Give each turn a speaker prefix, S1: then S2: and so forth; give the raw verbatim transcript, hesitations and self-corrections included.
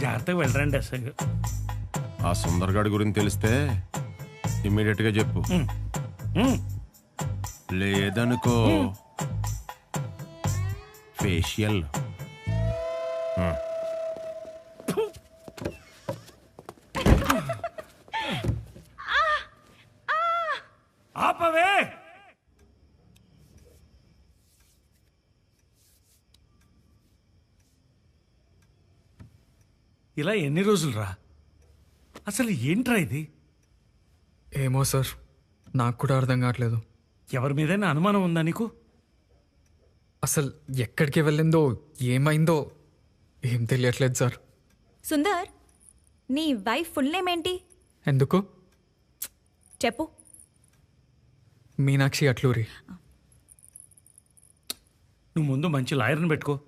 S1: జాగ్రత్తగా వెళ్ళరండి అసలు.
S2: ఆ సుందర్గాడి గురించి తెలిస్తే ఇమ్మీడియట్ గా చెప్పు. లేదనుకో ఫేషియల్.
S1: ఆపవే. ఇలా ఎన్ని రోజులు రా? అసలు ఏంట్రా ఇది?
S3: ఏమో సార్, నాకు కూడా అర్థం కావట్లేదు.
S1: ఎవరి మీదైనా అనుమానం ఉందా నీకు?
S3: అసలు ఎక్కడికి వెళ్ళిందో ఏమైందో ఏం తెలియట్లేదు సార్.
S4: సుందర్, నీ వైఫ్ ఫుల్ నేమ్ ఏంటి?
S3: ఎందుకు?
S4: చెప్పు.
S3: మీనాక్షి అట్లూరి.
S1: నువ్వు ముందు మంచి లాయర్ని పెట్టుకో.